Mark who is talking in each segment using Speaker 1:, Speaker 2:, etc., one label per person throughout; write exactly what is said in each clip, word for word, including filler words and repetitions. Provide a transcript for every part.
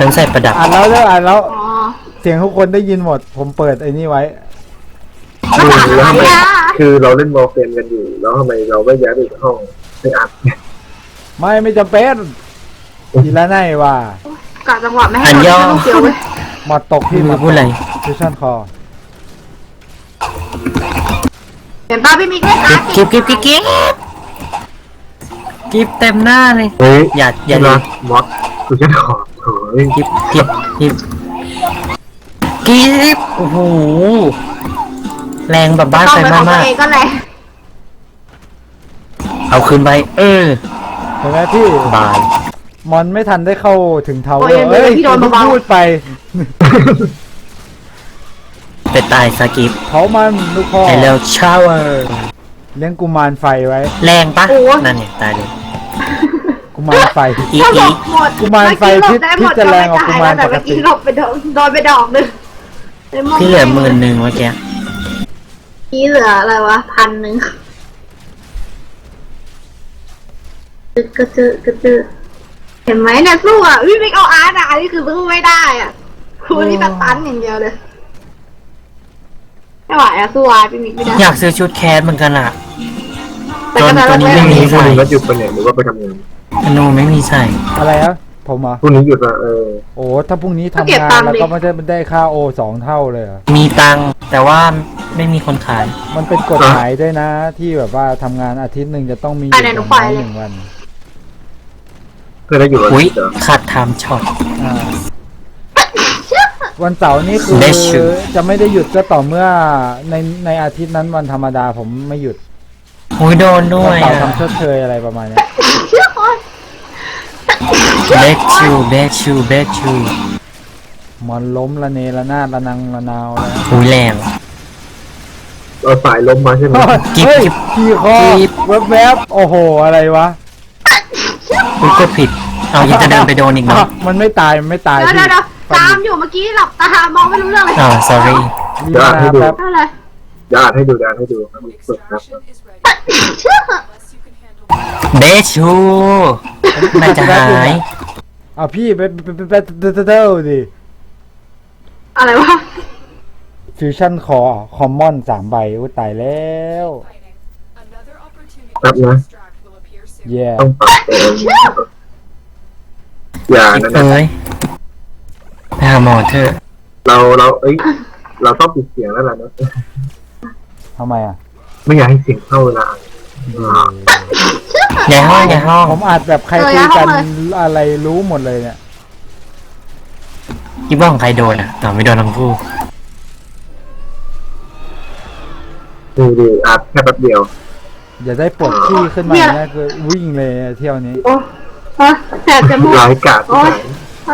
Speaker 1: ฉันใส่ประดับ
Speaker 2: อ่านแล้วเด้ออ่านแล้ว
Speaker 3: อ๋อ
Speaker 2: เสียงทุกคนได้ยินหมด ผมเปิดไอ้นี่ไว้
Speaker 4: คือแล้วทำไมคือเราเล่นวอลเกมกันอยู่แล้วทำไมเราไม่ย้ายไปอีกห้องไปอัดเนี่ย
Speaker 2: ไม่ไม่จำเป็นทีละไนว่าก
Speaker 3: ะจังหวะไม่ให้เราต้องเสียวเว้ย
Speaker 2: หมดตกที่
Speaker 1: พี่พูดอะไร
Speaker 2: ฟิวชั่นคอ
Speaker 3: เห็นป้าพี่มิกเล่นการ์ด
Speaker 1: กิ๊บกิ๊บกิ๊บกิ๊บกิ๊บเต็มหน้าเลย
Speaker 4: เฮ้ย
Speaker 1: อย่าอย่า
Speaker 4: เล
Speaker 1: เลย
Speaker 4: ยมอสคือฉันขอโถ่เฮ้ย
Speaker 1: กิ๊บกิ๊บกิ๊บกิ๊บโอ้โหแรงแบบบ้าน
Speaker 3: ต้อง
Speaker 1: ไฟ
Speaker 3: เป็นของตั
Speaker 1: มาว ก
Speaker 3: เองก็แหละ
Speaker 1: ๆเอาคืนไปเออ
Speaker 2: เห็นไหมพี่
Speaker 1: บาย
Speaker 2: มอนไม่ทันได้เข้าถึงเทาเวอ
Speaker 3: โอ้ย
Speaker 2: ร์เอ้ย
Speaker 3: พี่โดนเบาๆ
Speaker 2: พูดไป
Speaker 1: ไปตายสกิป
Speaker 2: เผามันลูกพ่อ
Speaker 1: ไอเร็วชาวเวอร์
Speaker 2: เลี้ยงกุมารไฟไว้
Speaker 1: แรงปะนั่นเนี่ยตายเลย
Speaker 2: กุมารไฟ
Speaker 1: อี
Speaker 3: ถ้าหล
Speaker 1: อี
Speaker 3: บหมด
Speaker 2: กุมารไฟ
Speaker 3: เมื่อกี้หลบได้หมด
Speaker 2: พิจารณาออกกุมาร
Speaker 3: แต่
Speaker 2: ปกติ
Speaker 3: เมื่อกี้หลบไปโดนโดนไปดอกหนึ่ง
Speaker 1: พี่เหลือหมื่นหนึ่งเมื่อกี้
Speaker 3: พี่เหลืออะไรวะพันหนึ่งจึกกระจึกกระจึกเห็นไหมเนี่ยสู้อ่ะพี่มิกเอาอาร์ตอ่ะอันนี้คือสู้ไม่ได้อ่ะคุณนี่ตัดตันอย่างเดียวเลยไม่ไหวอ่ะสู้อาร์ตพี่มิกไม่ได้
Speaker 1: อยากซื้อชุดแคสเหมือนกันอ่ะ
Speaker 3: แต่ก็จะ
Speaker 1: ตัวนี้
Speaker 3: เลิก
Speaker 1: ไม่
Speaker 3: เล่น
Speaker 1: มี
Speaker 4: พรุ่งนี้ก็หยุดไปเนี่ยหรือว่าไปทำงาน
Speaker 1: ธนูไม่มีใส่
Speaker 2: อะไรครับผมเหรอ
Speaker 4: พรุ่งนี้หยุดละเออ
Speaker 2: โอ้ถ้าพรุ่งนี้ทำงานแล้วก็ไม่ได้ได้ค่าโอสองเท่าเลยเหรอ
Speaker 1: มีตังค์แต่ว่าไม่มีคนขาย
Speaker 2: มันเป็นกฎหมายด้วยนะ ที่แบบว่าทำงานอาทิตย์หนึ่งจะต้องมีหยุดอย่างน้อยหนึ่งวัน
Speaker 4: เพื่อได้หยุดวัน
Speaker 1: อุ้ย
Speaker 4: อาทิตย์เหรอ
Speaker 1: ขาดไทม์ช็อต
Speaker 2: อ่าวันเสาร์นี่คือ
Speaker 1: ได้ชื่อ
Speaker 2: จะไม่ได้หยุดก็ต่อเมื่อในในอาทิตย์นั้นวันธรรมดาผมไม่หยุด
Speaker 1: อุ้ยโดนด้ว
Speaker 2: วัน
Speaker 1: ย
Speaker 2: เสาร์
Speaker 1: อ่ะ
Speaker 2: ทำชดเชยอะไรประมาณเนี้ย
Speaker 3: เชื่อคน
Speaker 1: เบคชูเบคชูเบคชู
Speaker 2: มันล้มละเนระนาดระนังระนาวแล้ว
Speaker 1: อุ้ยแรง
Speaker 4: เราสายล้มมาใช่ไหม
Speaker 1: กิ๊บ
Speaker 2: เฮ้ย
Speaker 1: กิ๊บ
Speaker 2: ขี่คอ
Speaker 1: กิ๊บ
Speaker 2: แวบๆโอ้โหอะไรวะ
Speaker 1: อุ้ยกดผิด เอายังจะเดินไปโดนอีกเนาะ
Speaker 2: มันไม่ตายมันไม่ตาย
Speaker 3: เดี๋ยว
Speaker 2: พี่
Speaker 3: เดี๋ยวตามอยู่เมื่อกี้หลับตามองไม่รู้เรื่องเลย
Speaker 1: อ๋อ sorry
Speaker 2: รีบมาแป๊บ
Speaker 3: อะไร
Speaker 4: ญาติให้ดูญาติให้ดูครับมีสุดครับ
Speaker 3: เชื่อ
Speaker 1: เบคชูน่าจะหาย
Speaker 2: เอาพี่ไปไปไปไปไปเต้าดิ
Speaker 3: อะไรวะ
Speaker 2: ฟิวชั่นคอคอมมอนสามใบอุ้ยตายแล้ว
Speaker 4: ครับนะ
Speaker 2: แย่
Speaker 4: ต้องปรับเองอย่า
Speaker 1: กิ๊บ
Speaker 4: นะ
Speaker 1: เอ้ยไปหาหมอเถอะ
Speaker 4: เราเราเอ้ยเราต้องปิดเสียงแล้วล่ะนะ
Speaker 2: ทำไมอ่ะ
Speaker 4: ไม่อยากให้เสียงเข้าเวลาอ่าน
Speaker 1: อย่าห้องอย่าห้อง
Speaker 2: ผมอัดแบบใครคุยกันอะไรรู้หมดเลยเนี่ย
Speaker 1: คิดว่าของใครโดนอ่ะต่อไม่โดนทั้งคู่
Speaker 4: ดูดิอัดแค่แป๊บเดียว
Speaker 2: อย่าได้ปวดขี้ขึ้นมาเนี่ยคือวิ่งเลยเที่ยวนี้
Speaker 3: โอ้ฮะแสบจมูก
Speaker 4: ร้ายกาจที่ไหน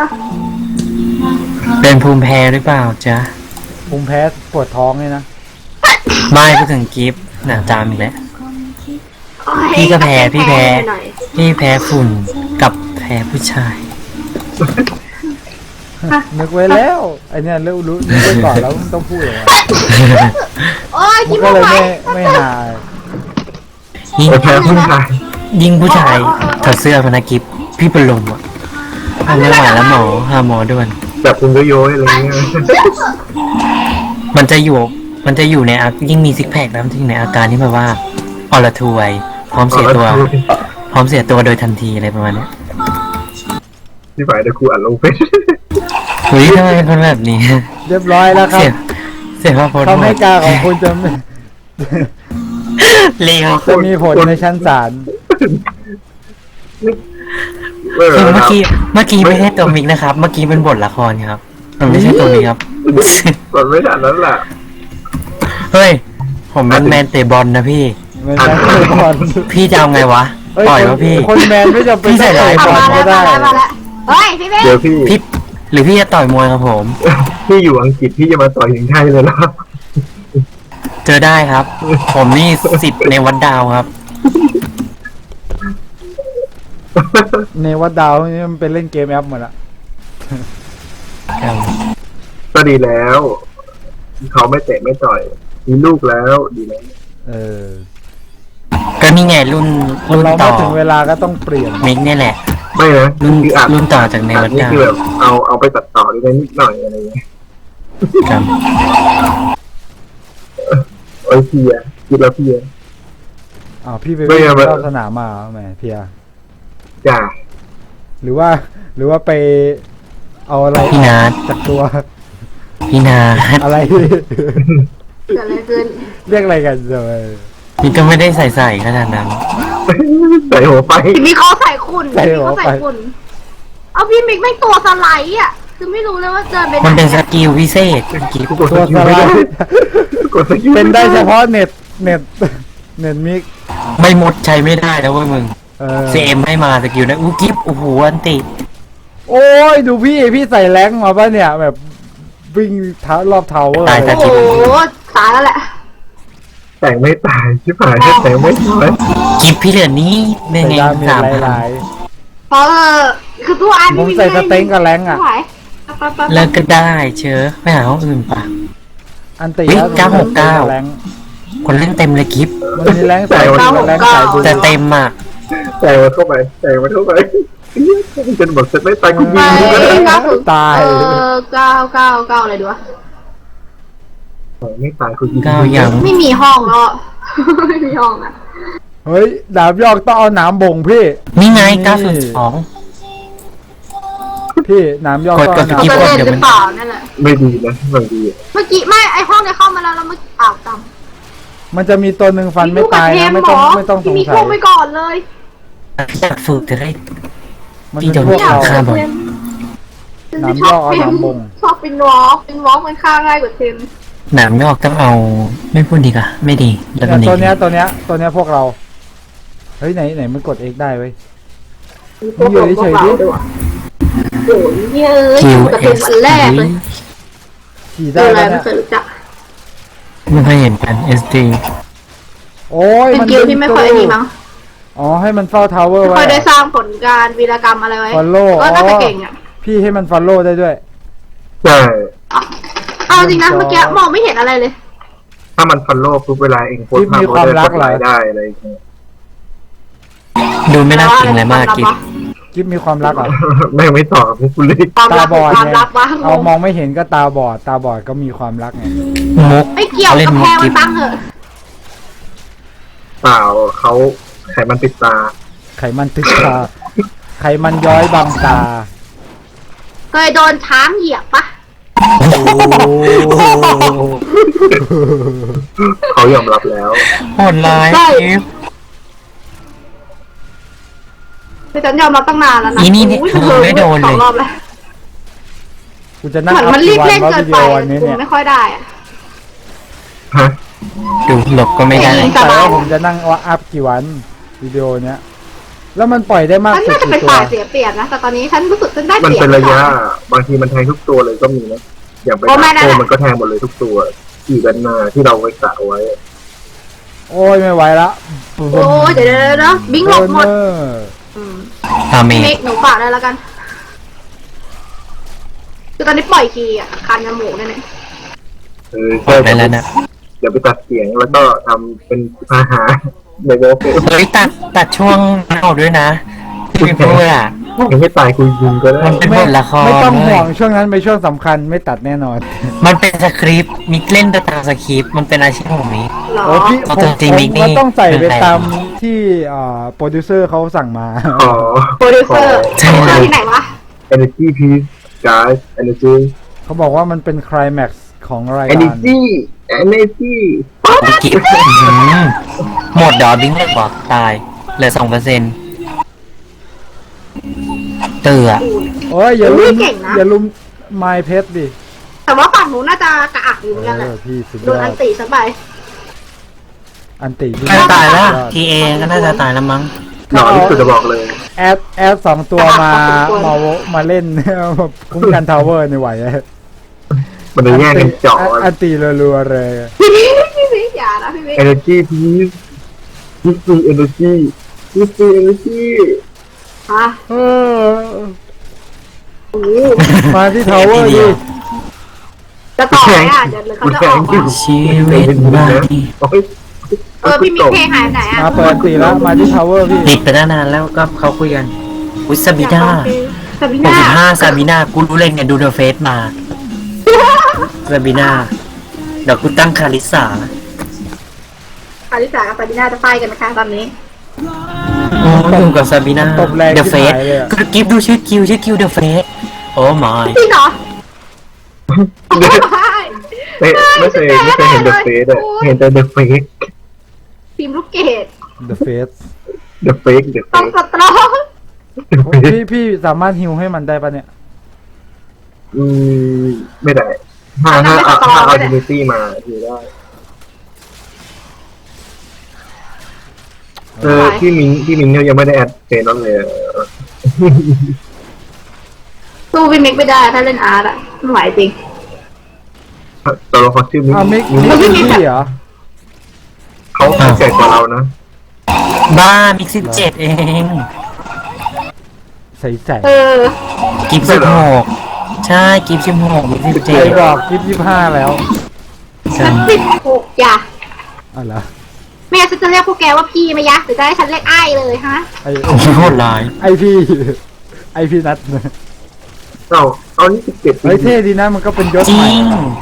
Speaker 1: เป็นภูมิแพ้หรือเปล่าจ๊ะ
Speaker 2: ภูมิแพ้ปวดท้องเลยนะ
Speaker 1: ไม่พูดถึงกิฟต์หนาจามอีกแล้ว พี่ก็แพ้พี่แพ้ พี่แพ้ฝุ่นกับแพ้ผู้ชาย
Speaker 2: นึกไว้แล้วไอเนี่ยรู้รู้นึกไว้ก่อนแล้วมันต้องพูดอย่างไร
Speaker 3: โอ้ย
Speaker 2: มั
Speaker 3: คิ
Speaker 2: น
Speaker 3: ด
Speaker 2: ก็
Speaker 3: ว่า
Speaker 2: เลย
Speaker 3: ไหว
Speaker 2: ไม่ไม่หาย
Speaker 1: ยิ่ง
Speaker 4: โอเคผู้ชาย
Speaker 1: ยิ่งผู้ชายถอดเสื้อพนักกิฟต์พี่เป็นลมอ่ะทำไม่ไหวแล้วหมอหาหมอด่วน
Speaker 4: แบบคุณโยยๆอะไรเงี้ย
Speaker 1: มันจะอยู่ มันจะอยู่ในอายิ่งมีซิกแพคแล้วมันจะอยู่ในอาการที่แบบว่าอรทวยพร้อมเสียตัว พร้อมเสียตัวโดยทันทีอะไรประมาณเนี้ย
Speaker 4: ที่ฝ่ายเดี๋ยวครูอ่านลงเฟซ
Speaker 1: เฮ้ยทำไมเป็นคนแบบนี้
Speaker 2: เรียบร้อยแล้วครั
Speaker 1: เสี
Speaker 2: บ
Speaker 1: ยเสียพระพจน์
Speaker 2: คำให้การของคุณจะไม่
Speaker 1: เลว
Speaker 2: จะมีผลในชั้นศาล
Speaker 4: เออ
Speaker 1: คือ
Speaker 4: ค
Speaker 1: เมื่อ
Speaker 4: รับ
Speaker 1: กี้เมื่อกี้ไม่ใช่ตัวมิกนะครับ เมื่อกี้เป็นบทละครครับมันไม่ใช่ตัวมิกครับ
Speaker 4: กดไม่ทันนั้นแหละ
Speaker 1: เฮ้ย ผมเป็นแมนเตะบอลนะพี่
Speaker 2: ไม่ใช่บอล
Speaker 1: พี่จะเอาไงวะ
Speaker 2: เอ้ย
Speaker 1: ปล่อย
Speaker 2: คน
Speaker 1: วะพี่
Speaker 2: คนแมนไม่จำเป็น
Speaker 1: พี่ใส่ร้าย
Speaker 2: บ
Speaker 3: เอา
Speaker 2: อล
Speaker 3: มา
Speaker 2: ก็
Speaker 3: แล้ว
Speaker 2: ได้
Speaker 3: มาแล้วมาแล้วเฮ้ยพี่เบ้
Speaker 4: เดี๋ยวพี่
Speaker 1: พี่หรือพี่จะต่อยมวยครับผม
Speaker 4: พี่อยู่อังกฤษพี่จะมาต่อยถึงไทยเลยเหรอ
Speaker 1: เจอได้ครับ ผมนี่สิทธิ์ในวัดดาวครับ
Speaker 2: ในวัดดาวนี่มันเป็นเล่นเกมแอปหมดละ
Speaker 4: ก็ดีแล้ว เขาไม่เตะไม่ต่อย มีลูกแล้วดีแล้ว
Speaker 2: เออ
Speaker 1: ก็นี่ไงรุ่น
Speaker 2: คน
Speaker 1: รุ่น
Speaker 2: เรา
Speaker 1: ต่
Speaker 2: มา
Speaker 1: อ
Speaker 2: ถึงเวลาก็ต้องเปลี่ยน
Speaker 1: มิกเนี่ยแหละ
Speaker 4: ไม่นะ
Speaker 1: รุ่น
Speaker 4: คืออัด
Speaker 1: รุ่นต่อจากใน
Speaker 4: อั
Speaker 1: วั
Speaker 4: ด
Speaker 1: ด
Speaker 4: นี่
Speaker 1: ดาว
Speaker 4: คือแบบเอาเอาไปตัดต่อได้นิดหน่อยอะไรเงี้ย
Speaker 1: ครับ
Speaker 4: โอ้ยเพียคิดแล้วเพีย
Speaker 2: อ้าวพี่ไป
Speaker 4: ไม่
Speaker 2: วิ่ง
Speaker 4: เอาไม่
Speaker 2: รอบสนามมาเหรอแหมเพีย
Speaker 4: จ้า
Speaker 2: หรือว่า หรือว่าไปเอาอะไร
Speaker 1: พี่นาท
Speaker 2: จากตัว
Speaker 1: พี่นาท
Speaker 2: อะไร
Speaker 3: เกิดอะไรขึ้น
Speaker 2: เรียกอะไรกันเลย
Speaker 1: นี่ก็ไม่ได้ใส่ใส่ขนาดนั้น
Speaker 4: ใส่หัวไป
Speaker 3: พี่มิกเขาใส่คุณพี่มิกเขาใส่คุณเอาพี่มิกไม่ตัวสไลด์อ่ะคือไม่รู้เลยว่าเดินไปไหน
Speaker 1: มันเป็นสกิลพิเศษกิฟ
Speaker 4: กูกด
Speaker 2: ตัว
Speaker 4: สกิ
Speaker 2: ส
Speaker 4: ล
Speaker 2: ไล
Speaker 4: ไม่ได้
Speaker 2: ด์
Speaker 4: กดสกิล
Speaker 2: เป็นได้เฉพาะเน็ตเน็ตเน็ตมิก
Speaker 1: ไม่หมดใช้ไม่ได้แล้วเว้ยมึง
Speaker 2: เออ
Speaker 1: ซีเอ็มให้มาสกิลนะอู้กิฟโอ้โหอันติ
Speaker 2: โอ้ยดูพี่พี่ใส่แรงมาป่ะเนี่ยแบบวิ่งเท้ารอบเทาเวอร์
Speaker 1: ตาย
Speaker 2: เล
Speaker 1: ตาย
Speaker 3: โอ้โหตายแล้วแหละ
Speaker 4: แต่งไม่ตายชิบหายแค่แต่งไม่ตาย
Speaker 1: กิฟพี่เหลือนี้เป็น
Speaker 2: ใส่
Speaker 1: ไง
Speaker 2: ดาเมจ
Speaker 1: สาม
Speaker 2: ห
Speaker 1: พัน
Speaker 2: ลาย
Speaker 3: เพราะเออคือตัวอัน
Speaker 2: ผมใส่สเต็งกับแรงอะ
Speaker 3: ไม่ไหวไปไปไป
Speaker 1: เลิกก็ได้เชอไปหาห้องอื่นปะ
Speaker 2: ๆอันตี
Speaker 1: เฮ้ย
Speaker 2: แล้ว
Speaker 1: เก้าหกเก้า
Speaker 2: แรง
Speaker 1: คนเล่นเต็มเลยกิฟ
Speaker 2: มันมีแรงใส่กับแรงสายบุญ
Speaker 1: แต่เต็มอ่ะ
Speaker 4: แต่งมันเข้าไปแต่งมันเข้าไปจนบอกจะไม่ตายกูยิ
Speaker 3: ไป
Speaker 4: งกูก็ได้
Speaker 3: เก้าถึง
Speaker 2: ตาย
Speaker 3: เออเก้าเก้าเก้าอะไรดีวะ
Speaker 4: ไม่ตายกูยิง
Speaker 1: ก้าวยัง
Speaker 3: ไม่มีห้องแล้วอะ ไม่มีห้องอ่ะ
Speaker 2: เฮ้ยดาบยอกต้องเอาหนามบ่งพี่
Speaker 1: นี่ไง
Speaker 2: นี่
Speaker 1: เก้าศูนย์สอง
Speaker 2: พี่หนามยอก
Speaker 1: กด
Speaker 2: ต้องเอาหนาม
Speaker 1: กด
Speaker 3: เขา
Speaker 2: บ่ง
Speaker 3: จะเล่นหรือเปล่านั่นแหละ
Speaker 4: ไม่ดีนะบางที
Speaker 3: เมื่อกี้ไม่ไอห้องเนี่ยเข้ามาแล้วแล้วเมื่อกี้อ้าวจำ
Speaker 2: มันจะมีตัวหนึ่งฟันไม่ตายนะไม่ต้องไม่ต้องสง
Speaker 3: มี
Speaker 2: สั
Speaker 3: พวก
Speaker 2: ย
Speaker 3: ไปก่อนเลย
Speaker 1: อยากฝึกจะได้
Speaker 2: มัน
Speaker 1: พี่
Speaker 2: เป็น
Speaker 1: จะ
Speaker 2: พวกเรา
Speaker 1: ฆ่าบ่อย
Speaker 2: น้ำย่อเอาน้ำบ่ง
Speaker 3: ชอบเป็นวอล์กเป็นวอล์กมันฆ่าง่ายกว่าเทม
Speaker 1: หนามไม่ออกต้องเอา ไม่พูดดีกว่าไม่ดีแล้ว
Speaker 2: เนี่
Speaker 1: มัน
Speaker 2: ย
Speaker 1: ดี
Speaker 2: ตัวเนี้ยตัวเนี้ยตัวเนี้ยพวกเราเฮ้ยไหนไหนมันกด X ได้เว้ย
Speaker 3: พวกเราพวกเราด้วยว่ะโอ้ยเนี่ยเอ้ย
Speaker 1: คิว
Speaker 3: แต่
Speaker 1: เอ
Speaker 3: เป็น
Speaker 1: ส
Speaker 3: วันแรกเลย
Speaker 2: ขี่
Speaker 3: เจ
Speaker 2: ได้
Speaker 3: ออะไร
Speaker 2: แล้ว
Speaker 3: ไม่
Speaker 2: เนี่ย
Speaker 3: เคยรู้จัก
Speaker 1: ไม่เคยเห็นกัน เอส ดี
Speaker 2: โอ้ย
Speaker 3: เป็น
Speaker 2: มัน
Speaker 3: กิลที่ไม่ค่อยดีมั้ง
Speaker 2: อ๋อให้มันเฝ้าทาวเวอร์
Speaker 3: ไม่
Speaker 2: ไว้
Speaker 3: ค่อยได้สร้างผลการวีรกรรมอะไรไว้
Speaker 2: Follow
Speaker 3: ก็น่า
Speaker 2: อ๋
Speaker 3: จะ
Speaker 2: อ
Speaker 3: เก่งอ่ะ
Speaker 2: พี่ให้มันฟอลโล่ได้ด้วย
Speaker 4: ใช่
Speaker 3: เอาจริงนะเมื่อกี้มองไม่เห็นอะไรเลย
Speaker 4: ถ้ามันฟันโลกปุ๊บเวลาเองโพสต์ภาพโพสต์ได้อะไรอย่างเงี้ย
Speaker 1: ดูไม่น่าเก่งอะไรมากกิฟ
Speaker 2: กิฟมีความรักเหรอ
Speaker 4: แม่งไม่ตอบพวกกูเลย
Speaker 3: ความ
Speaker 2: ตา
Speaker 3: รัก
Speaker 2: บอด
Speaker 3: ความ
Speaker 2: ไง
Speaker 3: รักวะ
Speaker 2: เอามองไม่เห็นก็ตาบอด ตาบอดก็มีความรักไง
Speaker 1: มุก
Speaker 3: ไม่เกี่ยว
Speaker 1: เล่น
Speaker 3: กับ
Speaker 1: มุ
Speaker 3: แพ
Speaker 1: ก
Speaker 3: งมั
Speaker 1: กิ
Speaker 3: น
Speaker 1: ฟ
Speaker 3: ตั้งเหอะ
Speaker 4: เปล่าเขาไขมันติดตา
Speaker 2: ไขมันติดตาไขมันย้อยบังตา
Speaker 3: เคยโดนช้างเหยียบปะ
Speaker 2: โอ้
Speaker 4: เขายอมรับแล้ว
Speaker 1: โหดร้ายกิฟ
Speaker 3: คือฉันยอมรับตั้งนานแล้วนะ
Speaker 1: อีนี่เนี่ย
Speaker 3: อุ้ย
Speaker 1: เธอไม่โดนเลย
Speaker 3: สองรอบแล้ว
Speaker 2: กูจะนั่ง
Speaker 3: เหมือน
Speaker 2: อัพ
Speaker 3: มันรี
Speaker 2: กี่
Speaker 3: บ
Speaker 2: วัน
Speaker 3: เล่น
Speaker 2: ว่า
Speaker 3: เกิ
Speaker 2: วิ
Speaker 3: น
Speaker 2: ดี
Speaker 3: ไป
Speaker 2: โอวันนี้เนี่ย
Speaker 3: ไม่ค่อยได้อะ
Speaker 4: ฮะ
Speaker 1: ดูหลบก็ไม่ได้
Speaker 3: ไม่
Speaker 2: แต่ว่าผมจะนั่งว่าอัพกี่วันวิดีโอเนี้ยแล้วมันปล่อยได้มาก
Speaker 3: ฉัน
Speaker 2: สุด
Speaker 3: น่าจะเป็น
Speaker 2: กี่ตัว
Speaker 3: ฝ่ายเสียเปรียบนะ แต่ตอนนี้ฉันรู้สึกฉันได้
Speaker 4: มัน
Speaker 3: เปรียบ
Speaker 4: เป็นระยะ บางทีมันแทงทุกตัวเลยก็มีนะ อย่างไป
Speaker 3: โอ้ไม่นะ
Speaker 4: โคมันก็แทงหมดเลยทุกตัวขี่กันมาที่เราไปกะเอาไว้
Speaker 2: โอ้ยไม่ไหวละ
Speaker 3: โอ้ยเดี๋ยวเดี๋ยวเดี๋ยวเดี๋ยวบิงหลบหมด
Speaker 2: เออ
Speaker 3: อืม
Speaker 1: ตาเม
Speaker 3: พี่เม
Speaker 1: ก
Speaker 3: กหนูฝากได้แล้วกัน คือตอนนี้ปล่อยคีย์อ่ะคันจมูกเนี่ย
Speaker 4: เออ
Speaker 1: เปิดได้แล้วนะ
Speaker 4: เดี๋ยวไปตัดเสียงแล้วก็ทำเป็นพาหาในโลกเฟซ
Speaker 1: เฮ้ยตัดตัดช่วงเน่าด้วยนะพี่พูดอ่ะ
Speaker 4: ยังไม่ตายคุยยิงก็ได้
Speaker 1: มันเป็นบทละคร
Speaker 2: ไม่ต้องห่วง
Speaker 1: เลย
Speaker 2: ช่วงนั้นเป็นช่วงสำคัญไม่ตัดแน่นอน
Speaker 1: มันเป็นสคริปต์มิกเล่นไปตามสคริปต์มันเป็นอาชีพของมิก
Speaker 3: หรอ
Speaker 2: โอ้พี่
Speaker 1: เอา
Speaker 2: ผม
Speaker 1: จริงๆ
Speaker 2: ผม
Speaker 1: มิกนี่
Speaker 2: ก็ต้องใส่ไป
Speaker 1: เป็นไร
Speaker 2: ตามที่อ่าโปรดิวเซอร์เขาสั่งมา
Speaker 4: ขอ
Speaker 3: โปรดิวเซอร์
Speaker 1: ใช่
Speaker 3: โปรดิวเซอร์ที่ไหนวะ
Speaker 4: energy piece guys energy
Speaker 2: เขาบอกว่ามันเป็นไคลแม็กซ์ของรายการ
Speaker 4: energy energy
Speaker 1: มิกกิฟหมดเดี๋ยวบิงเลยบอกตายเหลือสองเปอร์เซ็นต์เตือ
Speaker 2: โอ้ยอย่าลุม
Speaker 3: เก่งนะ
Speaker 2: อย่าลุมไมเพชรดิ
Speaker 3: แต่ว่าฝั่งหนูน่าจะกระอักอยู่เหมือนกันแห
Speaker 2: เอ
Speaker 3: ละ
Speaker 2: อพี่สุด
Speaker 3: โด
Speaker 2: ยอน
Speaker 3: อั
Speaker 2: ด
Speaker 3: นตีซะไป
Speaker 2: อันติพี่
Speaker 1: น่าจะตายแล้ว
Speaker 2: สุดอด
Speaker 1: ทีเอก็น่าจะตายแล้วมั้ง
Speaker 4: หล่อที่สุดจะบอกเลย
Speaker 2: แอดแอดสองตัวมามามาเล่น คุ้มกันทาวเวอร์ในไหวอะ
Speaker 4: มันเลยแย่งกันเจาะ
Speaker 2: อันตีรัวๆเลย
Speaker 3: พี่มิกพี่มิกอย่านะพี่มิก
Speaker 4: energy piece fifty energy fifty energy
Speaker 3: อ่ะ
Speaker 2: เออ
Speaker 3: โอ้โห
Speaker 2: มาที่ทาวเวอร์ดิ
Speaker 3: จะต่อไหมอ่ะเดี๋ยวเขาจะออกมา
Speaker 1: ชีวิตใหม่
Speaker 4: โอ้ย
Speaker 3: เออพี่มิกเพลงหายไปไหนอ่ะ
Speaker 2: มาเปิดอันตีแล้วมาที่ทาวเวอร์พี่
Speaker 1: ติดไปตั้งนานแล้วก็เขาคุยกันอุ้ยซาบีน่า
Speaker 3: ซาบิ
Speaker 1: หก
Speaker 3: น่า
Speaker 1: สิบห้าซาบีน่ากูรู้เลยเนี่ยดูเดอะเฟซมาซาบีน่าเดี๋ยวกูตั้งคาริสา
Speaker 3: คาริสากับซาบิน่าจะไฟกันนะคะตอนนี้
Speaker 1: โอ้อยู่กับซาบีน่า
Speaker 2: ตบแรง
Speaker 1: เดอะเฟ
Speaker 2: ชิบ
Speaker 1: ส
Speaker 2: หายเลยอะ
Speaker 1: คือกิฟดูชื่อคิวชื่อคิวเดอะเฟสโอ้ my
Speaker 3: จริงเหรอ
Speaker 4: ไม่ไม่เคยไม่เคยเห็นเดอะเฟสอะเห็นแต่เดอะเฟก
Speaker 3: ฟิล์มลูกเกด
Speaker 2: The Face
Speaker 4: เดอะเฟกเดอะเฟ
Speaker 3: ต้อง
Speaker 4: ก
Speaker 3: สตรอง
Speaker 2: พี่พี่สามารถฮิวให้มันได้ปะเนี่ย
Speaker 4: อืมไม่ได้ถ้าถ้าเอาถ้าเอาดินิตี้มาทีได้เออพี่มิงพี่มิงเนี่ยยังไม่ได้แอดเฟซนั่นเลยอะ
Speaker 3: สู้พี่มิกไม่ได้ถ้าเล่นอาร์ตอะไม่ไหวจริง
Speaker 4: ตัวละครชื่อมิก
Speaker 2: อ้าวมิก
Speaker 4: มิ
Speaker 2: มิก
Speaker 4: ก
Speaker 2: เป็นพี่เหรอ
Speaker 4: เขาแก่กว่าเรานะ
Speaker 1: บ้ามิกสิบเจ็ดเอง
Speaker 2: ใส่ใส่
Speaker 3: เออ
Speaker 1: กิฟสิบหกใช่กิฟสิบหกมิกสิบ
Speaker 2: ใค
Speaker 1: เจ็
Speaker 2: ร
Speaker 1: ด
Speaker 2: บอกยี่สิบห้าแล้ว
Speaker 1: ใช่
Speaker 3: สิบหกอย่า
Speaker 2: อ๋อเหรอ
Speaker 3: ไม่งั้นฉันจะเรียกพวกแกว่าพี่ไหมยะหรือจะให้ฉันเรียกไอ้เลยฮะ
Speaker 2: ไอ
Speaker 1: โคตรร้าย
Speaker 2: ไอพี่ไอพี่นัท
Speaker 4: เอาเอานี่สิบเจ็ด
Speaker 2: เฮ้ยเท่ดีนะมันก็เป็นยศ
Speaker 1: จริ
Speaker 2: ใหม่
Speaker 1: ง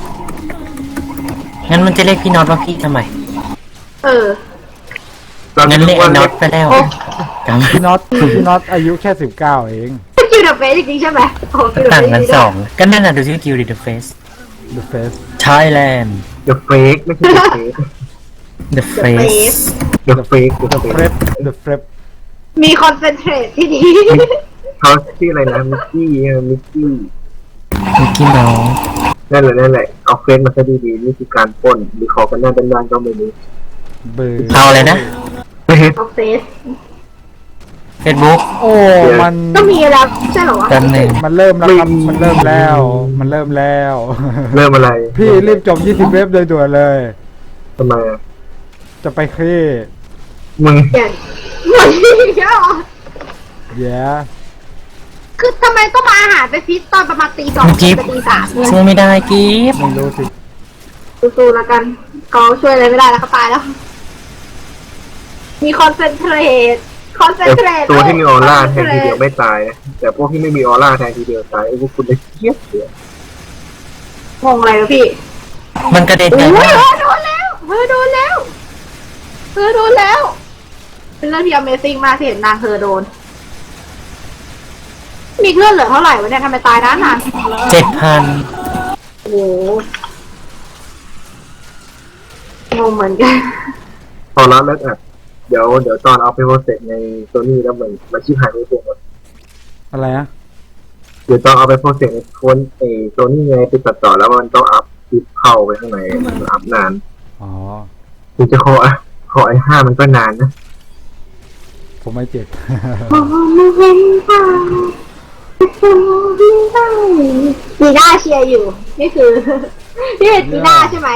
Speaker 1: งั้นมันจะเรียกพี่น็อตว่าพี่ทำไม
Speaker 3: เออ
Speaker 1: งั้นเรียกไอ้น็อตไปแล้ว
Speaker 3: โอ้
Speaker 1: กัน
Speaker 2: พี่น็อตพี่น็อตอายุแค่สิบเก้าเอง
Speaker 3: คิวเดอะเฟสจริงๆใช่ไหมโอ้คิวเดอะ
Speaker 1: ต่าง
Speaker 3: เฟส
Speaker 1: กันสองก็นั่นน่ะดูชื่อคิวดิเดอะเฟส
Speaker 2: The Face
Speaker 1: Thailand
Speaker 4: เดอะเฟกไม่ใช่เดอะเฟก
Speaker 1: The Face
Speaker 4: เดอะเฟกเดอะ
Speaker 2: The
Speaker 4: เฟก
Speaker 2: Prep The Prep
Speaker 3: มีคอนเซนเทรตที่ดี
Speaker 4: เขาชื่ออะไรนะมิกกี้มิกกี้
Speaker 1: มิกกี้เมาส์
Speaker 4: นั่นแหละนั่นแหละเอาเฟซมาซะดีๆนี่คือการปล้นหรือขอกันหน้าด้านๆก็ไม่รู้
Speaker 2: เบอร์
Speaker 1: เอาอะไรนะ
Speaker 4: ไม่เห็น
Speaker 3: ออฟเฟส
Speaker 1: Facebook
Speaker 2: โอ้มัน
Speaker 3: ก็มีแล้วใช่เหรอวะ
Speaker 1: กันหนึ่ง
Speaker 2: มันเริ่มแล้วครับมันเริ่มแล้ว มันเริ่มแล้ว
Speaker 4: เริ่มอะไร
Speaker 2: พี่รีบจบยี่สิบเว็บโดยด่วนเลย
Speaker 4: ทำไมอะ
Speaker 2: จะไปเคลียร์
Speaker 4: มึง
Speaker 3: อย่างเหมือนที่ใช่เหรอ
Speaker 2: แย่
Speaker 3: คือทำไมต้องมาอาหารไปฟิตตอนประมาณตีสองตีตีสามเนี่ย
Speaker 1: ช่วยไม่ได้กิฟ
Speaker 2: ไม่รู้สิ
Speaker 3: สู้ๆแล้วกันเขาช่วยอะไรไม่ได้แล้วเขาตายแล้ว มีคอนเซนเทรตคอนเซน
Speaker 4: แต่
Speaker 3: เทรต
Speaker 4: ตัวที่มีออร่าแทนทีเดียวไม่ตายนะแต่พวกที่ไม่มีออร่าแทนทีเดียวตายไอ้พวกคุณเลยเครียดเสีย
Speaker 3: งงอะไรวะพี่
Speaker 1: มันกระเด็น
Speaker 3: โอ้
Speaker 1: ไง
Speaker 3: ยว
Speaker 1: ะ
Speaker 3: โดนแล้วเออโดนแล้วเออโดนแล้ว เป็นเรื่องที่ Amazing มากที่เห็นนางเธอโดน มีเลือดเหลือเท่าไหร่วะเนี่ยทำไมตายนานนาน
Speaker 1: เจ็ดพัน
Speaker 3: โอ้โหงงเหมือนกัน
Speaker 4: พอรับแล้วอ่ะเดี๋ยวเดี๋ยวตอนเอาไปโปรเซสในโซนี่แล้วมันมันชิบหายไปตัวหมด
Speaker 2: อะไรนะ
Speaker 4: เดี๋ยวตอนเอาไปโปรเซสในโฟนไอโซนี่ไงไปตัดต่อแล้วมันต้องอัพคลิปเข้าไปข้างในมันอัพนาน
Speaker 2: อ๋อ
Speaker 4: ถึงจะขอขอไอห้ามันก็นานนะ
Speaker 2: ผมไม่เจ็บ
Speaker 3: จีน่าเชียร์อยู่ นี่คือ นี่เป็นจีน่าใช่ไหม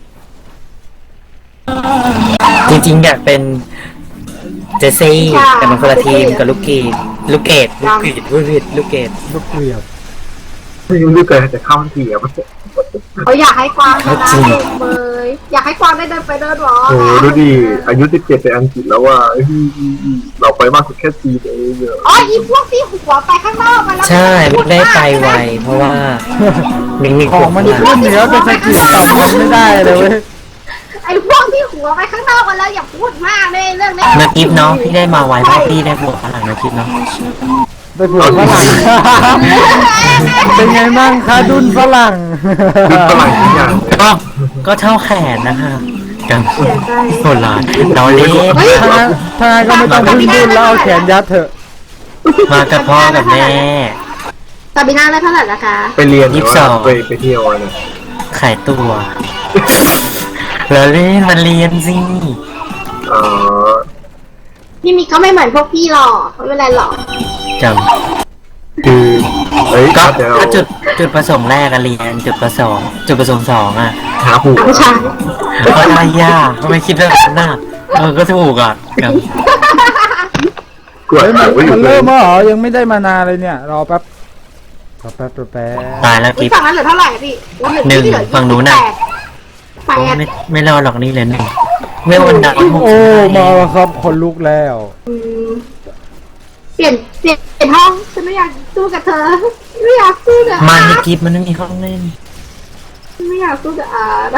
Speaker 1: จริงๆอยากเป็นเจสซี่
Speaker 3: ใช่
Speaker 1: แต่มันคนละทีมกับลูกเกดลูกเกดลูกเกดลูกเกดลูกเกด
Speaker 2: ลูกเกลียบ
Speaker 4: ไม่รู้เกิดแต่เข้าเสียมัน
Speaker 3: เขาอยากให้กวางชนะเองเลยอยากให้กวางได้เดินไปเดินหรอ
Speaker 4: โอ้โหดูดิอายุสิบเจ็ดไปอังกฤษแล้วว่าเฮ้ยเราไปมากสุดแค่ปีเดียวเอง
Speaker 3: อ๋ออีพวกที่หัวไปข้างนอกมาแล้ว
Speaker 1: ใช่มันได้ไปไวเพราะว่ามิงมี
Speaker 2: ของมันขึ้นเหนือเป็นสกิลต่ำมันไม่ได้เลยเว้ย
Speaker 3: ไอ้พวกที่หัวไปข้างนอกมาแล้วอย่าพูดมากเลยเรื่องนี้
Speaker 1: เมื่อกิฟเนาะพี่ได้มาไวเพราะพี่ได้บวกพลังนะกิฟเนาะ
Speaker 2: ได้ผัวฝรั่ง เป็นไงบ้างคะดุนฝรั่ง
Speaker 4: คือฝรั่งทุกอย่าง
Speaker 1: ก็ก็เท่าแขนนะคะกันโหดร้ายเราเล่น
Speaker 2: ถ้างั้นถ้างั้นก็ไม่ต้องพึ่งดุนแล้วเอาแขนยัดเถอะ
Speaker 1: มากับพ่อกับแม่
Speaker 3: ซาบิน่าได้เท่าไหร่ละคะ
Speaker 4: ไปเรียนห
Speaker 1: ยี่
Speaker 4: รือ
Speaker 1: สิบสอ
Speaker 4: ว่าง ไปไปเที่ยวอะไร
Speaker 1: ขายตัวเราเล่นมันเรียนสิ
Speaker 4: อ๋อ
Speaker 3: พี่มิกเขาไม่เหมือนพวกพี่หรอกไม่เป็นไรหรอก
Speaker 1: จ
Speaker 4: คือเฮ้ย
Speaker 1: ำก็
Speaker 4: เดี๋ยว
Speaker 1: ก็จุดจุดประสงค์แรกอะเรียนจุดประสงค์จุดประสงค์สองอะ
Speaker 4: หาผัว
Speaker 3: ผู้ชาย
Speaker 1: ก็ได้ยากทำไมคิดเรื่องนั้นน่ะเออก็ถูกอ่ะครับ
Speaker 4: กวด
Speaker 2: เฮ้ยมัน
Speaker 4: ไว้อยู่
Speaker 2: มัน
Speaker 4: เล
Speaker 2: เริ่
Speaker 4: ย
Speaker 2: มแล้วเหรอยังไม่ได้มานานเลยเนี่ยรอแป๊บรอแป๊บรอแป๊บ
Speaker 1: ตายแล้ว
Speaker 3: พี่
Speaker 1: กิฟ
Speaker 3: ฝั่งนั้นเหลือเท่าไหร่พี่
Speaker 1: หนึ่งฝั่งนู้นน่ะ
Speaker 3: แปด
Speaker 1: โอ้
Speaker 3: แปด
Speaker 1: ไม่ไม่รอดหรอกนี่เลยหนึ่งเมื่อวันนั้น
Speaker 2: โอ้มาแล้วครับคนลุกแล้ว
Speaker 3: อืมพี่ลี่ยนเปลี่ยนเปลี่ยนห้องฉันไม่อยากสู้กับเธอไม่อยากสู้กับ
Speaker 1: มา
Speaker 3: อา
Speaker 1: ใน
Speaker 3: ร์ต
Speaker 1: กิฟมันไม่มีห้องเล่น
Speaker 3: ไม่อยากสู้กับอาร์ต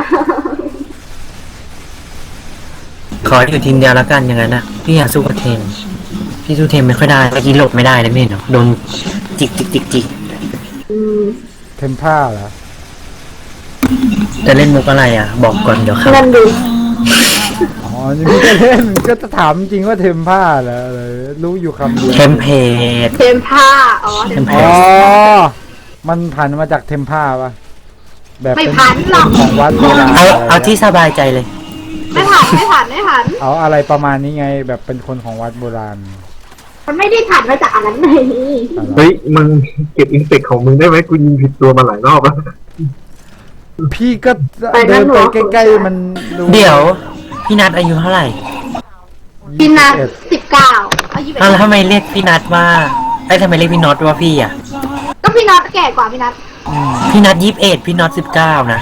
Speaker 1: ขออยู่ทีมเดียวแล้วกันอย่างนั้นนะพี่อยากสู้กับเทมพี่สู้เทมไม่ค่อยได้เมื่อกี้หลบไม่ได้เลยไม่เห็นหรอโดนจิกจิกจิกจิก
Speaker 3: อืม
Speaker 2: เทมผ้าเหรอ
Speaker 1: จะเล่นมุกอะไรอ่ะ บอกก่อนเดี๋ยวครับ
Speaker 3: นั่นดู
Speaker 2: อ๋อนี่พี่ก็เล่นก็จะถามจริงว่าเทมผ้าเหรออะไรรู้อยู่คำเดียว
Speaker 1: เทมเพลต
Speaker 3: เทมผ้าอ๋อเทม
Speaker 1: เท
Speaker 3: ผ้า
Speaker 1: ม
Speaker 2: อ๋อมันผันมาจากเทมผ้าปะแบบ
Speaker 3: ไม่
Speaker 2: เป็น
Speaker 3: ผันหรอก
Speaker 2: ของวัดโบราณ
Speaker 1: เอาเอาที่สบายใจเลย
Speaker 3: ไม่ผันไม่ผันไม่ผัน
Speaker 2: เอาอะไรประมาณนี้ไง แบบเป็นคนของวัดโบราณ
Speaker 3: มันไม่ได้ผันมาจากอันนั้นเลย
Speaker 4: เฮ้ยมึงเก็บอินเสกของมึงได้ไหมกูยิงผิดตัวมาหลายรอบแล้ว
Speaker 2: พี่ก็เดินไปใกล้ๆมันดู
Speaker 1: เดี๋ยว พี่นัทอายุเท่าไหร่
Speaker 3: พี่นัท
Speaker 2: เอ็ด
Speaker 3: สิบเก้าอายุ
Speaker 1: อ้าวแล้วทำไมเรียกพี่นัทว่าไอ้ยทำไมเรียกพี่น็อตว่าพี่อ่ะ
Speaker 3: ก็พี่นัทแก่กว่าพี่นัท
Speaker 1: พี่นัทยี่สิบเอ็ดพี่น็อตสิบเก้านะ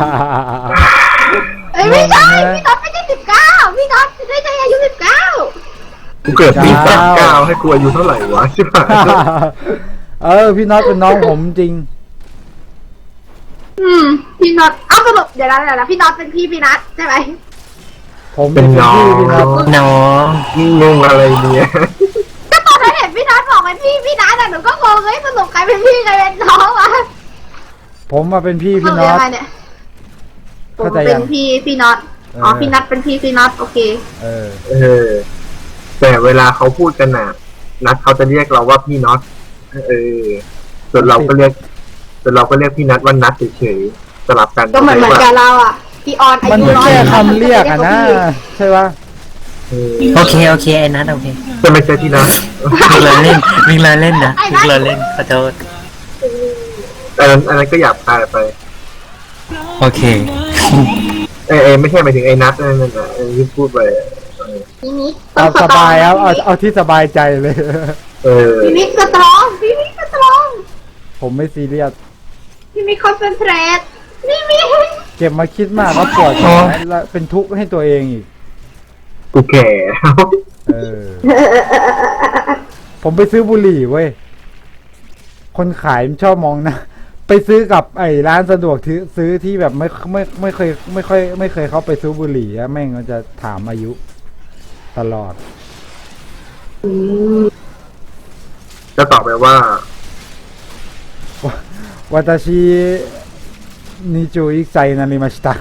Speaker 3: เอ้ยไม่ใช่พี่นัทไม่ใช่สิบเก้าพี่นัทไม่ใช่อายุสิบเก้า
Speaker 4: กูเกิดปีสามเก้าให้กูอายุเท่าไหร่วะใช่ปะ
Speaker 2: เออพี่น็อตเป็นน้องผมจริง
Speaker 3: อืมพี่นัทเอ้าสรุปเดี๋ยวนะเดี๋ยวนะพี่นัทเป็นพี่พี่นัทใช่ไหม
Speaker 2: ผม
Speaker 4: เป็นน้อง
Speaker 2: พี่พี่น็อต
Speaker 1: น้อง
Speaker 4: งงอะไรเนี่ย
Speaker 3: ก็ตอนนั้นเห็นพี่นัทบอกเป็นพี่พี่นัทอะหนูก็งงเฮ้ยสรุปใครเป็นพี่ใครเป็นน้องวะ
Speaker 2: ผมมาเป็นพี่พี่
Speaker 3: เา
Speaker 2: น็อต
Speaker 3: ยังไงเนี่ยผม
Speaker 2: เข้าใจ
Speaker 3: เป็
Speaker 2: ยั
Speaker 3: น
Speaker 2: ง
Speaker 3: พี่พี่น็อตอ๋อ
Speaker 2: เออ
Speaker 3: พี่นัทเป็นพี่พี่น็อตโอเค
Speaker 2: เออ
Speaker 4: เออ แต่เวลาเขาพูดกันน่ะ นัดเขาจะเรียกเราว่าพี่น็อตเออส่วนเราก็เรียกส่วนเราก็เรียกพี่นัทว่านัทเฉยๆสลับกัน
Speaker 3: ก็เหมือนเหมือนกับเราอะพี่ออนอา
Speaker 2: มัน
Speaker 3: ยุ
Speaker 2: ก็
Speaker 3: น้อย
Speaker 2: แค่คำเรียกอะนะใช่ปะ
Speaker 4: เออ
Speaker 1: โอเคโอเคไอ้นัทโอเค
Speaker 4: จะไม่ใช่พี่นัท
Speaker 1: วิ่งเลยเล่นวิ่งเลยเล่นนะวิ่งเลยเล่นขอโทษ
Speaker 4: อันนั้นอันนั้นก็หยาบคายไป
Speaker 1: โอเค
Speaker 4: เออเออไม่ใช่หมายถึงไอ้นัทนั่นน่ะเออที่พูดไปเออ
Speaker 3: พี่นิก
Speaker 2: เอาสบายเอาเอาเอาที่สบายใจเลย
Speaker 4: เออ
Speaker 3: พี่นิกสตรองพี่นิกสตรอง
Speaker 2: ผมไม่ซีเรียส
Speaker 3: พี่นิกคอนเซนเทรตนี่มี
Speaker 2: เก็บมาคิดมากแล้วปวดหัวแล้วเป็นทุกข์ให้ตัวเองอีก
Speaker 4: กูแก่
Speaker 2: เออ ผมไปซื้อบุหรี่เว้ย คนขายมันชอบมองนะ ไปซื้อกับไอ้ร้านสะดวกที่ซื้อที่แบบไม่ไม่ไม่เคย ไม่ค่อย ไม่เคยเข้าไปซื้อบุหรี่อะแม่งมันจะถามอายุ ตลอด
Speaker 4: จะตอบไปว่า
Speaker 2: วัตชินิจูอิไซนาริมาชิตะ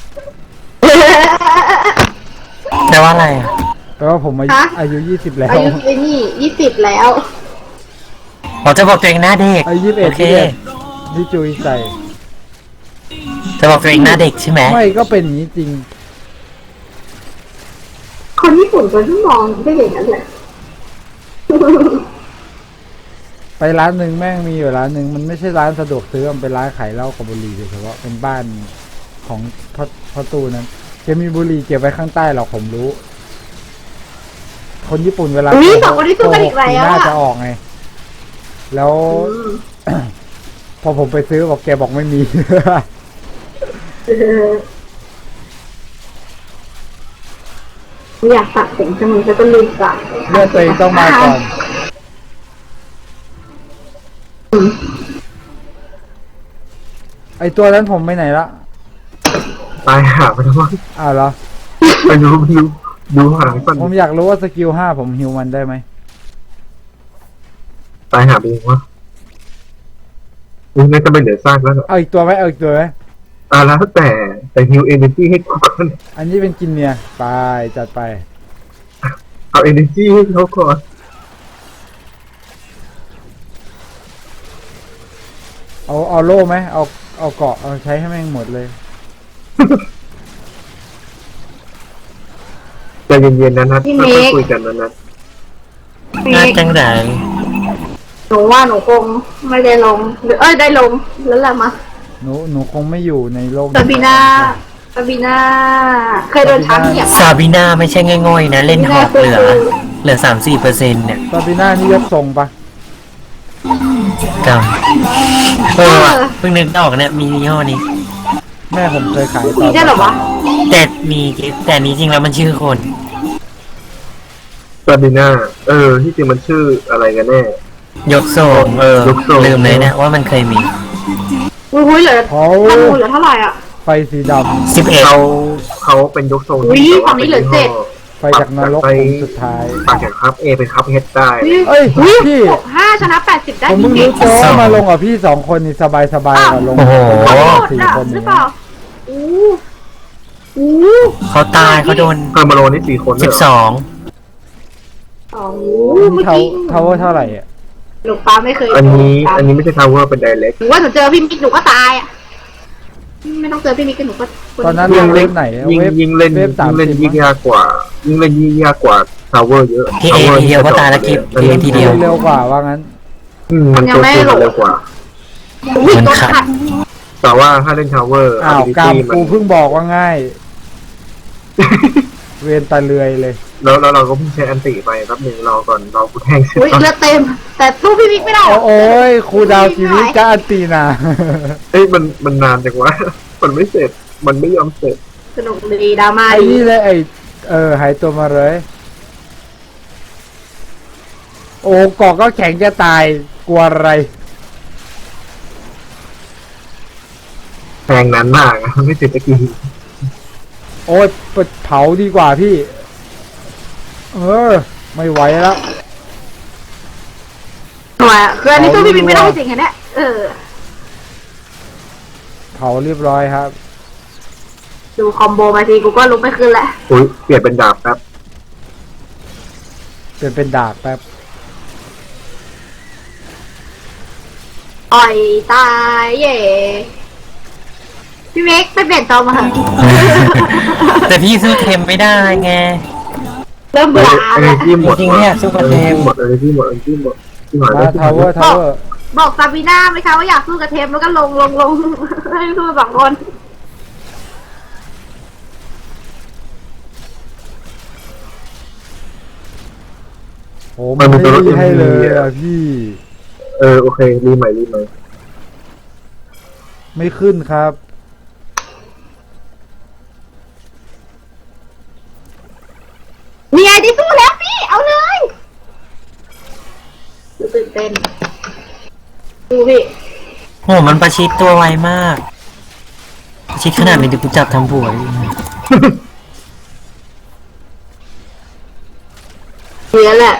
Speaker 1: แต่ว่าอะไรอ่ะ
Speaker 2: แปลว่าผมอายุอายุยี่สิบแล้ว
Speaker 3: อายุไอ้นี่ยี่สิบแล้ว
Speaker 1: ผมจะบอกตัวเองหน้าเด็ก
Speaker 2: อายุยี่สิบเอ็
Speaker 1: โอ
Speaker 2: ด
Speaker 1: เค
Speaker 2: นิจูอิไซ
Speaker 1: จะบอกตัวเองหน้าเด็กใช่ไหม
Speaker 2: ไม่ก็เป็นอย่างนี้จริง
Speaker 3: คนญี่ปุ่นคนที่มองไม่อย่างนั้นแหละ
Speaker 2: ไปร้านหนึ่งแม่งมีอยู่ร้านหนึ่งมันไม่ใช่ร้านสะดวกซื้อมันเป็นร้านขายเหล้ากับบุหรี่โดยเฉพาะเป็นบ้านของพ่อพ่อตู้นั้นแกมีบุหรี่เก็บไว้ข้างใต้หรอกผมรู้ คนญี่ปุ่นเวลา
Speaker 3: อุ๊ยสองคนนี้สู้กันอีก
Speaker 2: โหสี
Speaker 3: แล้ว
Speaker 2: หน้า
Speaker 3: อะ
Speaker 2: จะออกไง แล้ว พอผมไปซื้อบอกแกบอกไม่มี
Speaker 3: เอออยากตัดเสียงจังเลยจะต้องลืมตัด
Speaker 2: เลือดตัวเองต้องมาก่อน ไอตัวนั้นผมไปไหนละ
Speaker 4: ตายหาไปแล้วมั้ง
Speaker 2: อ้าวเหรอ
Speaker 4: ไปดูดูดูหางก่อน
Speaker 2: ผมอยากรู้ว่าสกิลห้าผมฮิวมันได้ไหม
Speaker 4: ตายหาไปยังวะนี่น่าจะไม่เหลือซากแล้วเหรอ
Speaker 2: เอาอีกตัวไหมเอาอีกตัวไหม
Speaker 4: อ่าแล้วแต่แต่ฮิวเอเนจีให้กูก่อน
Speaker 2: อันนี้เป็นกินเนี่ยไปจัดไป
Speaker 4: เอาเอเนจีให้เขาก่อน
Speaker 2: เอาเอาโล่ไหมเอาเอาเกาะเอาใช้ให้แม่งหมดเลย
Speaker 4: ใจเย็นๆนะนัทค่อยๆคุยกันนะนัท
Speaker 1: หน้าจังไร
Speaker 3: หนูว่าหนูคงไม่ได้ลงหรือเอ้ยได้ลงแล้วแหละมา
Speaker 2: หนูหนูคงไม่อยู่ในโลก
Speaker 3: ซาบีนาซาบีนาเคยโดนช้างเหยียบ
Speaker 1: ซาบิน่าไม่ใช่ง่อยๆนะ เล่นหอกเหลือ เหลือสามสี่เปอร์เซ็นต์เนี่ย
Speaker 2: ซาบิน่านี่ยกทรงปะ
Speaker 1: กำเออว่ะเพิ่งนึกออกเนี่ยมียี่ห้อนี้
Speaker 2: แม่ผมเคยขายต
Speaker 3: มี
Speaker 2: อน
Speaker 3: ได้เหรอวะ
Speaker 1: แต่มีแต่นี้จริงแล้วมันชื่อคน
Speaker 4: ซาบิน่าเออที่จริงมันชื่ออะไรกันแน่
Speaker 1: ยกทรงเออย
Speaker 4: กทรง
Speaker 1: ลืมเลยเนี่ยว่ามันเคยมี
Speaker 3: อุ้ยอุ้ยเหลือ
Speaker 2: เขา
Speaker 3: ธนูเหลือเท่าไหร่อ่ะ
Speaker 2: ไฟสีด
Speaker 1: สิบเอ็ด
Speaker 4: เขาเขาเป็นยกทรง
Speaker 3: อุ๊ย
Speaker 4: ที่
Speaker 3: ฝั่งนี้เหลือเจ็ด
Speaker 2: ำไฟจากนรกองค์สุดท้าย
Speaker 4: ปากจากครับเอเป็นครับเฮดได้
Speaker 2: เอ้ย
Speaker 3: อุ้ย
Speaker 2: พี่
Speaker 3: หกห้าชนะแปดสิบได้
Speaker 2: ผมเพิ่ง
Speaker 3: จริ
Speaker 2: รู้
Speaker 3: ง
Speaker 2: ตัวว่ามาลงกับพี่สองคนนี่สบายสบายๆกว่าลง
Speaker 1: โอ้โห
Speaker 3: ๆขอโทษ
Speaker 2: สี่
Speaker 3: อ่ะ
Speaker 2: คน
Speaker 3: หรือ
Speaker 2: นี้
Speaker 3: เปล่าอู้อู้
Speaker 1: เขาตายเขาโดน
Speaker 4: เพิ่มมาโลนี่สี่คน
Speaker 1: สิบสอง
Speaker 3: อ๋อ
Speaker 2: นี่
Speaker 3: เมื่อ
Speaker 2: เท่า
Speaker 3: กี้
Speaker 2: เท่าเท่าไหร่อ่ะ
Speaker 3: หนูป้าไม่เคย
Speaker 4: อันนี้
Speaker 3: ตาม
Speaker 4: อันนี้ไม่ใช่ทาวเวอร์เป็นไดเรก
Speaker 3: หนูว่าหนูเจอพี่มิกหนูก็ตายอ่ะไม่ต้องเจอพี่มิกก็หนูก็
Speaker 2: ตอนนั้น
Speaker 4: ยิ
Speaker 2: ล
Speaker 4: ง
Speaker 2: ง
Speaker 4: เล่
Speaker 2: เว็
Speaker 4: น
Speaker 2: บไหนอะ
Speaker 4: ยิง
Speaker 2: เว็บ
Speaker 4: ยิงเล่น
Speaker 2: เว็บสา
Speaker 4: ยิ
Speaker 2: ม
Speaker 4: งเล่น
Speaker 2: สิบ
Speaker 4: ยิ่งยากกว่ายิงเล่นยิ่งยากกว่าทาวเวอร์เยอะ
Speaker 1: พี่เอทีเดียวก็ตายแล้วกิฟพี่เอทีเดียว
Speaker 2: เร็วกว่าว่างั้น
Speaker 4: อืมมันตัวคูณเร็วกว่า
Speaker 3: อุ้ย
Speaker 1: มัน
Speaker 3: โดน
Speaker 1: ขัด
Speaker 3: ขัด
Speaker 4: แต่ว่าถ้าเล่นทาวเวอร์
Speaker 2: อ้าวกาม
Speaker 4: มั
Speaker 2: กูเพิ่งบอกว่าง่าย เวียนตะเลือยเลย
Speaker 4: แล้วแล้วเราก็เพิ่งใช้อันติไปแป๊บหนึ่งรอก่อนรอกูแทงเสร็จ
Speaker 3: อุ้ย
Speaker 4: ก่อน
Speaker 3: เลือดเต็ม แต่สู้พี่มิกไม่ได้
Speaker 2: โอ้โอ้ยครูดาวชีวิตก็อันตีนา
Speaker 4: เอ้ยมันมันนานจังวะ มันไม่เสร็จมันไม่ยอมเสร็จ
Speaker 3: สนุกดีดราม่า
Speaker 2: ไอ้
Speaker 3: ดี
Speaker 2: นี่เลยไอ้เออหายตัวมาเลย โอ้เกาะก็แข็งจะตายกลัวอะไร
Speaker 4: แทงนานมากอะไม่เสร็จตะกี้
Speaker 2: โอ้ยเผาดีกว่าพี่ เออ ไม่ไหวแล้ว
Speaker 3: ทำไมอ่ะคืออันนี้สู้พี่มิกไม่ได้จริงๆเนี่ยเออ
Speaker 2: เผาเรียบร้อยครับ
Speaker 3: ดูคอมโบมาทีกูก็ลุกไม่ขึ้นแล้ว
Speaker 4: อุ้ยเปลี่ยนเป็นดาบแป๊บ
Speaker 2: เป็นเป็นดาบแป๊บ
Speaker 3: อ่อยตายเย่พี่มิกไปเปลี่ยนจอมาเถอะ
Speaker 1: แต่พี่สู้เทมไม่ได้ไง
Speaker 3: เริ่มเบื่อ
Speaker 4: เอ
Speaker 3: แล้ว
Speaker 4: เนจีหมด
Speaker 1: จริงๆเนี่ยซุปเปอร์เทม
Speaker 4: หมดเอเนจีหมดเอเนจีหมดที่หาย
Speaker 2: มาทาวเวอร์ทาวเวอร์
Speaker 3: บอกซาบีน่าไหมคะว่าอยากสู้กับเทมแล้วก็ลงลงลง ให้สู้สองคน
Speaker 2: โอ้มันไม่ได้ให้เลยอ่ะพี่
Speaker 4: เออโอเครีใหม่รีใหม่
Speaker 2: ไม่ขึ้นครับ
Speaker 3: มีไอที่สู้แล้วพี่ เอาเลยตื่นเต้นดูพี่
Speaker 1: โหมันประชิดตัวไวมาก ประชิดขนาดนี้เดี๋ยวกูจับทำผัวดิ
Speaker 3: เนี้ยแหละ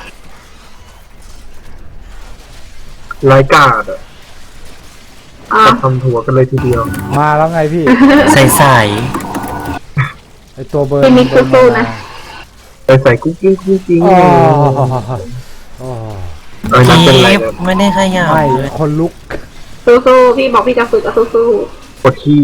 Speaker 4: รายการ์ดอะ
Speaker 3: อ่ะ
Speaker 4: จะทำหัวกันเลยทีเดียว
Speaker 2: มาแล้วไงพี่
Speaker 1: ใส่ใส่
Speaker 2: ไอตัวเบิร์น
Speaker 3: พี่มิก
Speaker 2: เดิน
Speaker 3: สู้
Speaker 2: มา
Speaker 3: ๆนะ
Speaker 4: ไปใส่กุ๊กกิ้งกุ๊กกิ้ง
Speaker 2: อ๋อ
Speaker 4: เลย
Speaker 2: อ๋อ
Speaker 4: เออนั่น
Speaker 1: กิ
Speaker 4: เป็นไร
Speaker 1: ฟ
Speaker 4: นะ
Speaker 1: ไม่ได้ขยับ
Speaker 2: ไม่
Speaker 1: เลย
Speaker 2: คนลุก
Speaker 3: สู้ๆพี่บอกพี่จะฝึกก็สู้
Speaker 4: ปวดขี้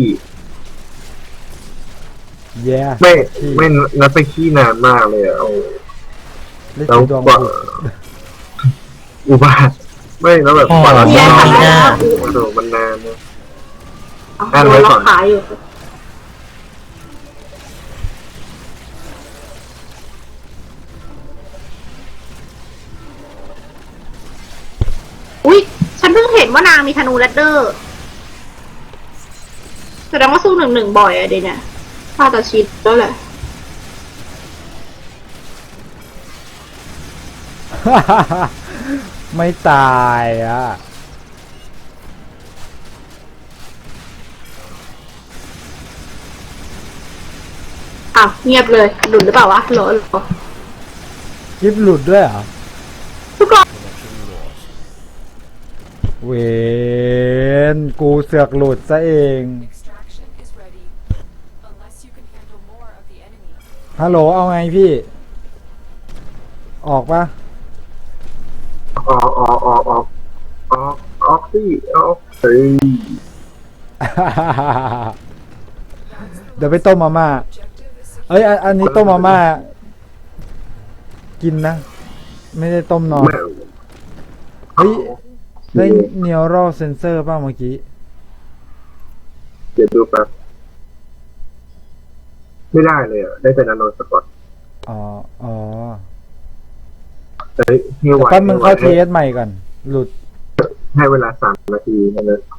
Speaker 2: แย่
Speaker 4: ไม่ไม่นัดไปขี้นานมากเลยอะเอา
Speaker 2: เล่น
Speaker 4: แล้ว
Speaker 2: สีดวง
Speaker 4: กว่า
Speaker 2: บุก
Speaker 4: อุบาทไม่แล้วแบบกว่าเรา
Speaker 3: ๆ
Speaker 4: จะ
Speaker 3: แย่
Speaker 4: ทำ
Speaker 3: ทำ
Speaker 4: ได้
Speaker 3: แล้ว
Speaker 4: โอ้โหมันนานนะ
Speaker 3: เอา
Speaker 4: อ่านไว้
Speaker 3: ล็
Speaker 4: ก่
Speaker 3: อ
Speaker 4: อน
Speaker 3: กขาอยู่อุ๊ย ฉันเพิ่งเห็นว่านางมีธนูแรดเดอร์แสดงว่าสู้หนึ่งหนึ่งบ่อยอะเดี๋ยวเนี่ยถ้าจะชิดแล้วแหละ
Speaker 2: ไม่ตายอ่ะ
Speaker 3: อ้าวเงียบเลยหลุดหรือเปล่าวะหรอหรอ
Speaker 2: กิฟหลุดด้วยเหรอ
Speaker 3: ทุกคน
Speaker 2: เวนกูเสือกหลุดซะเอง
Speaker 5: Extraction is ready. Unless you can handle more of the enemy.
Speaker 2: ฮัลโหลเอาไงพี่ ออกปะ
Speaker 4: ออกออกออกออกออกออกสิออกเฮ้ย
Speaker 2: เดี๋ยวไปต้มมาม่า
Speaker 5: Objective is
Speaker 2: เอ้ยอันอันนี้ต้มมาม่า กินนะ ไม่ได้ต้มนอน
Speaker 4: แม่
Speaker 2: เฮ้ย ได้เนียรัลเซนเซอร์ป่ะเมื่อกี้
Speaker 4: เดี๋ยวดูแป๊บไม่ได้เลยอ่ะได้แต่นาโนสปอต
Speaker 2: อ๋อ อ๋อ
Speaker 4: เฮ้ยเฮียไหว
Speaker 2: แป๊บมึงเข้าเทสใหม่ก่อน หลุด
Speaker 4: ให้เวลาสามนาทีนั่นเลย